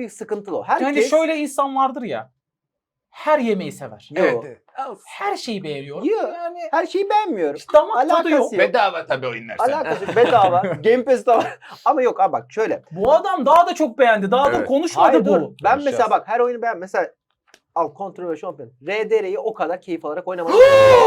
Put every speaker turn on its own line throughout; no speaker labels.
bir sıkıntılı o. Herkes...
Yani şöyle insan vardır ya. Her yemeği sever.
Yo.
Evet.
Her şeyi beğeniyor.
Yo.
Yani
Her şeyi beğenmiyorum.
hiç damak tadı
Alakası
yok.
yok.
Bedava tabii oyunlar sen.
Alakası yok. Bedava. Game Pass'te var. Ama yok abi bak şöyle.
Bu adam daha da çok beğendi. Daha da
Evet.
konuşmadı
Hayır
bu.
dur. Ben
Konuşacağız.
mesela bak her oyunu beğen. Mesela al Controller Champion. RDR'yi o kadar keyif alarak oynamadım.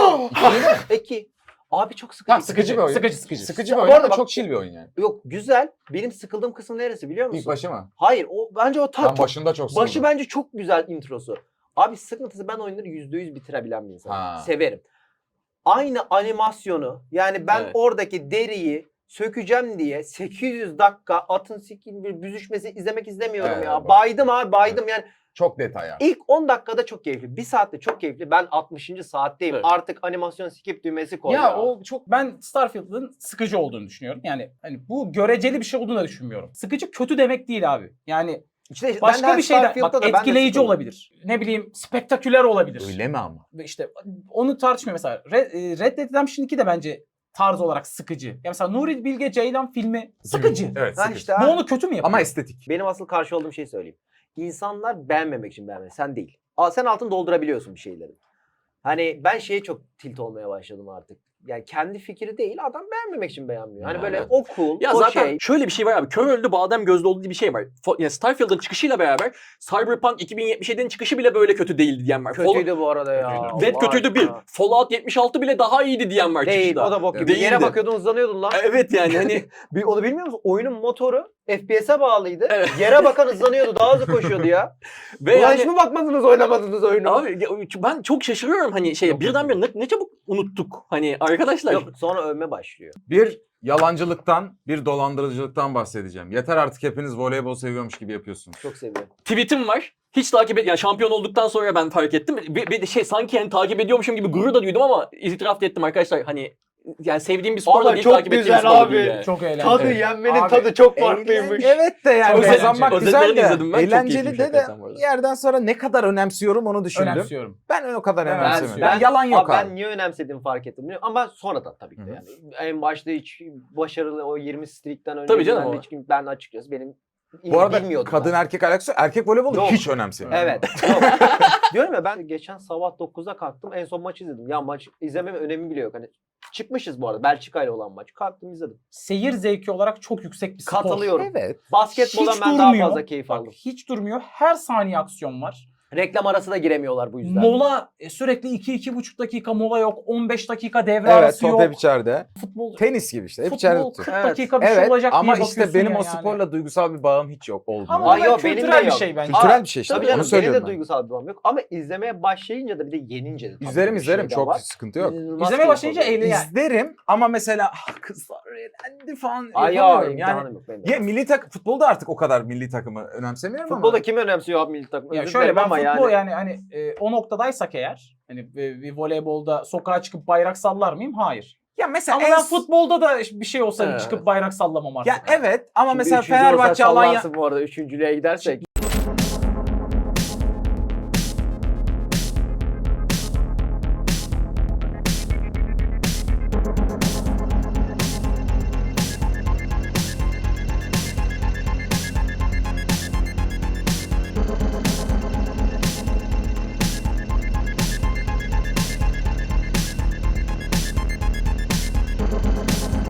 Peki. Abi çok sıkıcı.
Tamam sıkıcı bir oyun.
Sıkıcı.
Sıkıcı bir
Bu
oyun
arada
ama
bak-
çok chill bir oyun yani.
Yok güzel. Benim sıkıldığım kısım neresi biliyor musun?
İlk başı mı?
Hayır bence o
Ben başında çok sıkıldım.
başı bence çok güzel introsu. Abi sıkıntısı ben oyunları %100 bitirebilen bir insanım.
Ha.
Severim. Aynı animasyonu yani ben
Evet.
oradaki deriyi sökeceğim diye 800 dakika atın sikin bir büzüşmesi izlemek istemiyorum
Evet,
ya.
bak.
Baydım abi baydım yani.
Çok detay yani.
İlk 10 dakikada çok keyifli. 1 saatte çok keyifli. Ben 60. saatteyim.
Evet.
Artık animasyon skip düğmesi koy.
Ya o çok ben Starfield'ın sıkıcı olduğunu düşünüyorum. Yani hani bu göreceli bir şey olduğunu da düşünmüyorum. Sıkıcı kötü demek değil abi. Yani
İşte
başka
ben
bir şeyden
Starfield'da
bak
da ben de
etkileyici
sıkıldım.
olabilir. Ne bileyim spektaküler olabilir.
Öyle mi ama?
Ve İşte onu tartışmıyor mesela. Red Dead Redemption 2 de bence tarz olarak sıkıcı. Ya mesela Nuri Bilge Ceylan filmi sıkıcı.
Evet
Ha
sıkıcı.
işte
Bu
ha.
onu kötü mü yapıyor?
Ama estetik.
Benim asıl karşı olduğum şeyi söyleyeyim. İnsanlar beğenmemek için beğenmez. Sen değil. Sen altını doldurabiliyorsun bir şeyleri. Hani ben şeye çok tilt olmaya başladım artık. Yani kendi fikri değil adam beğenmemek için beğenmiyor. Hani böyle
Evet.
o cool,
Ya
o
zaten
şey.
şöyle bir şey var abi. Kör öldü badem gözlü oldu diye bir şey var. Yani Starfield'ın çıkışıyla beraber Cyberpunk 2077'nin çıkışı bile böyle kötü değildi diyen var.
Kötüydü bu arada ya.
Red
Allah
kötüydü bir.
aşkına.
Fallout 76 bile daha iyiydi diyen var
Değil
çıkışta.
o da bok gibi.
Değildi.
Yere bakıyordun hızlanıyordun lan.
Evet yani hani
Onu bilmiyor musun? Oyunun motoru FPS'e bağlıydı.
Evet.
Yere bakan hızlanıyordu. Daha hızlı koşuyordu ya.
ve
Ulan hiç
yani
mi bakmadınız oynamadınız oyunu?
abi ya ben çok şaşırıyorum hani
Yok,
birdenbire ne çabuk unuttuk. Hani arkadaşlar
Yok, sonra övme başlıyor.
Bir yalancılıktan, bir dolandırıcılıktan bahsedeceğim. Yeter artık hepiniz voleybol seviyormuş gibi yapıyorsunuz.
Çok seviyorum.
tweetim var. Hiç takip et yani şampiyon olduktan sonra ben fark ettim. Bir şey sanki yani takip ediyormuşum gibi gurur da duydum ama itiraf da ettim arkadaşlar. Hani yani sevdiğim bir spor da
Vallahi
değil,
çok
takip ettiğim bir
güzel
spor da
abi.
değil yani.
Çok eğlenceli.
Tadı
Evet.
yenmenin
Abi,
tadı çok farklıymış.
Evet de yani
Çok
kazanmak
eğlenceli.
güzel
Özetlerini
de
izledim ben, çok
eğlenceli
keyifliymiş
de
hakikaten bu arada.
bir yerden sonra ne kadar önemsiyorum onu düşündüm.
Önemsiyorum.
Ben o kadar
Ben-
önemsemiyorum.
ben-
Yalan yok abi.
Ben niye önemsediğimi fark ettim. Ama sonradan tabii ki de
Hı hı.
yani. En başta hiç başarılı o 20 streak'ten önce
Tabii canım
ben,
o.
hiç, ben açıkçası benim
Bu arada
bilmiyordum
kadın
ben.
erkek alakası erkek voleybolu
Yok.
hiç önemsemiyorum.
Evet. Yok. Diyorum ya ben geçen sabah 9'da kalktım. En son maç izledim. Ya maç izlememin önemi bile yok. Hani çıkmışız bu arada. Belçika ile olan maç. Kalktım izledim.
Seyir zevki olarak çok yüksek bir spor.
Katılıyorum.
Evet.
Basketboldan
Hiç
ben daha
durmuyor.
fazla keyif
Bak,
aldım.
hiç durmuyor. Her saniye aksiyon var.
Reklam arası da giremiyorlar bu yüzden.
Mola sürekli 2-2,5 dakika mola yok. 15 dakika devre
Evet
arası
top
yok.
hep içeride.
Futbol
Tenis gibi işte hep içeride
futbol
tutuyor.
40
Evet.
dakika bir şey
Evet
olacak
ama
diye
işte
bakıyorsun
benim
ya
o
yani.
sporla duygusal bir bağım hiç yok oldu.
Ama
Ay
bu
yok, benim de
kültürel bir
yok.
şey bence.
Kültürel bir şey işte.
Tabii
Onu
canım benim
söylüyorum
de
ben.
duygusal bir bağım yok. Ama izlemeye başlayınca da bir de yenince de tabii
İzlerim
bir
izlerim
şey de
çok
var.
sıkıntı yok.
İnanılmaz
İzlemeye
keyif
başlayınca
alıyorum.
eğlen- yani.
İzlerim ama mesela kızlar eğlendi falan
Ay ya
yapamıyorum. Yani
imkanım yok benim de.
ya milli futbolda artık o kadar milli takımı önemsemiyorum
Futbolda
ama.
kim önemsiyor abi milli takım?
Ya
Özür
şöyle
dilerim
ben
ama
futbol yani hani o noktadaysak eğer hani bir voleybolda sokağa çıkıp bayrak sallar mıyım? Hayır.
Ya mesela
Ama ben futbolda da bir şey olsa
Evet.
çıkıp bayrak sallamam artık.
ya evet ama
Şimdi
mesela
üçüncü olsa
Fenerbahçe Alanya
sallarsın bu arada üçüncülüğe gidersek.